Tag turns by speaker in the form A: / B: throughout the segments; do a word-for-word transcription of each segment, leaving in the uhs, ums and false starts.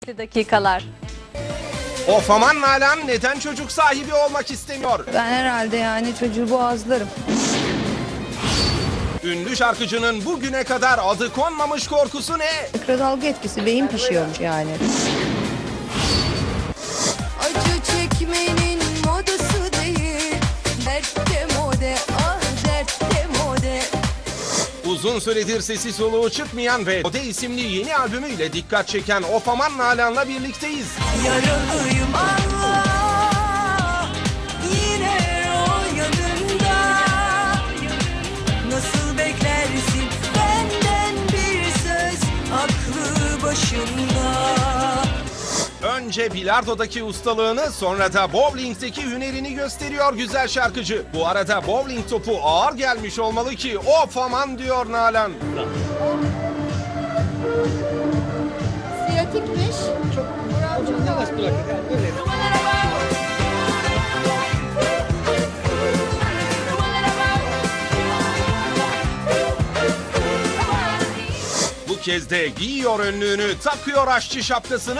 A: dakikalar.
B: Of aman Nalan neden çocuk sahibi olmak istemiyor?
C: Ben herhalde yani çocuğu boğazlarım.
B: Ünlü şarkıcının bugüne kadar adı konmamış korkusu ne?
C: Mikrodalga etkisi, beyin pişiyormuş yani.
D: Acı çekmenin modası değil, dertte mode, ah dertte mode.
B: Uzun süredir sesi soluğu çıkmayan ve Ode isimli yeni albümüyle dikkat çeken Of aman Nalan'la birlikteyiz.
D: Yaralıyım Allah, yine o yanında. Nasıl beklersin benden bir söz, aklı başında.
B: Önce bilardodaki ustalığını sonra da bowling'deki hünerini gösteriyor güzel şarkıcı. Bu arada bowling topu ağır gelmiş olmalı ki of aman diyor Nalan.
C: Siyatikmiş.
B: Bu kez de giyiyor önlüğünü, takıyor aşçı şapkasını.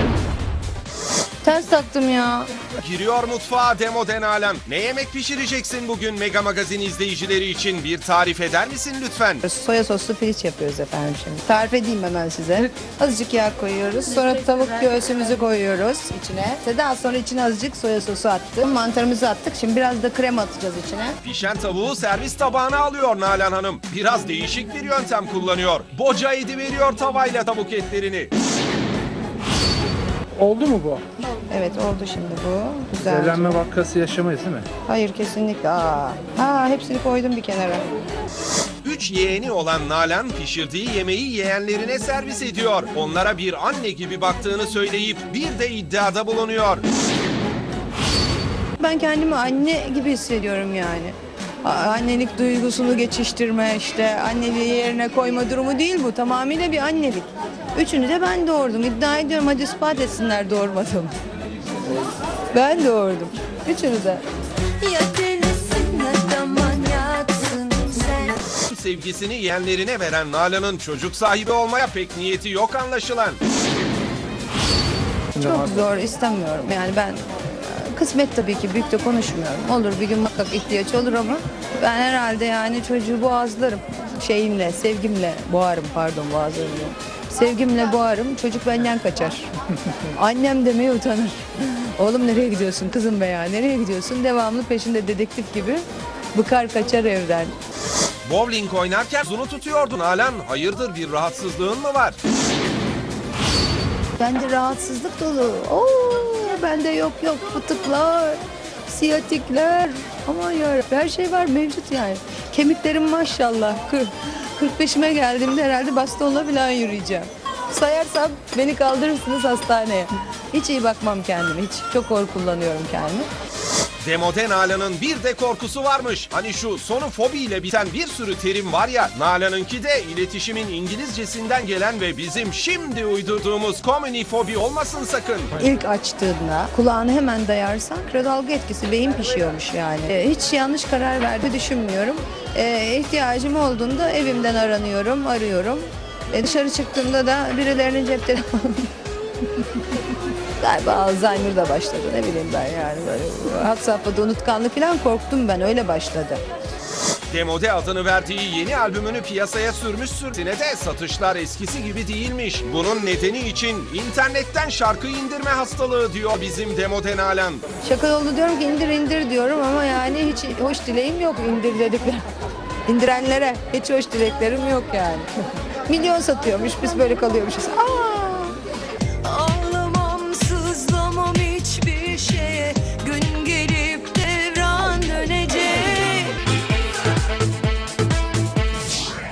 C: Ters taktım ya.
B: Giriyor mutfağa Demode Nalan. Ne yemek pişireceksin bugün Mega Magazin izleyicileri için bir tarif eder misin lütfen?
C: Soya soslu piliç yapıyoruz efendim şimdi. Tarif edeyim hemen size. Azıcık yağ koyuyoruz. Sonra tavuk göğsümüzü koyuyoruz içine. Daha sonra içine azıcık soya sosu attık. Mantarımızı attık. Şimdi biraz da krema atacağız içine.
B: Pişen tavuğu servis tabağına alıyor Nalan Hanım. Biraz değişik bir yöntem kullanıyor. Boca ediveriyor tavayla tavuk etlerini.
E: Oldu mu bu?
C: Evet oldu şimdi bu. Güzel.
E: Evlenme vakası yaşamayız değil mi?
C: Hayır kesinlikle. Aa. Ha, hepsini koydum bir kenara.
B: Üç yeğeni olan Nalan pişirdiği yemeği yeğenlerine servis ediyor. Onlara bir anne gibi baktığını söyleyip bir de iddiada bulunuyor.
C: Ben kendimi anne gibi hissediyorum yani. A- Annelik duygusunu geçiştirme, işte anneliği yerine koyma durumu değil bu. Tamamıyla bir annelik. Üçünü de ben doğurdum. İddia ediyorum, hadi ispat etsinler doğurmadım. Ben doğurdum. Üçünü de.
D: Ya delisin ya da manyaksın sen.
B: Sevgisini yeğenlerine veren Nalan'ın çocuk sahibi olmaya pek niyeti yok anlaşılan.
C: Çok zor, istemiyorum. Yani ben e, kısmet tabii ki, büyük de konuşmuyorum. Olur bir gün muhakkak ihtiyaç olur ama ben herhalde yani çocuğu boğazlarım. Şeyimle, sevgimle boğarım, pardon boğazlarım. Sevgimle boğarım, çocuk benden kaçar. Annem demeye utanır. Oğlum nereye gidiyorsun kızım be ya, nereye gidiyorsun? Devamlı peşinde dedektif gibi bıkar kaçar evden.
B: Bowling oynarken zunu tutuyordu Nalan. Hayırdır bir rahatsızlığın mı var?
C: Bende rahatsızlık dolu. Oo, bende yok yok fıtıklar, siyatikler. Aman ya her şey var mevcut yani. Kemiklerim maşallah. Kır- kırk beşime geldiğimde herhalde bastonla falan yürüyeceğim. Sayarsam beni kaldırırsınız hastaneye. Hiç iyi bakmam kendime. Hiç çok hor kullanıyorum kendimi.
B: Demode Nalan'ın bir de korkusu varmış. Hani şu sonu fobi ile biten bir sürü terim var ya. Nalan'ınki de iletişimin İngilizcesinden gelen ve bizim şimdi uydurduğumuz komünifobi olmasın sakın.
C: İlk açtığında kulağını hemen dayarsan mikrodalga etkisi, beyin pişiyormuş yani. Ee, hiç yanlış karar verdiğimi düşünmüyorum. Ee, ihtiyacım olduğunda evimden aranıyorum, arıyorum. Ee, dışarı çıktığımda da birilerinin cep telefonu... Galiba Alzheimer da başladı, ne bileyim ben yani böyle hat safhada unutkanlık falan, korktum ben, öyle başladı.
B: Demode adını verdiği yeni albümünü piyasaya sürmüşsün. Yine de satışlar eskisi gibi değilmiş. Bunun nedeni için internetten şarkı indirme hastalığı diyor bizim Demode Nalan.
C: Şaka yolu diyorum ki indir indir diyorum ama yani hiç hoş dileğim yok indir dedikler. İndirenlere hiç hoş dileklerim yok yani. Milyon satıyormuş, biz böyle kalıyormuşuz. Aa!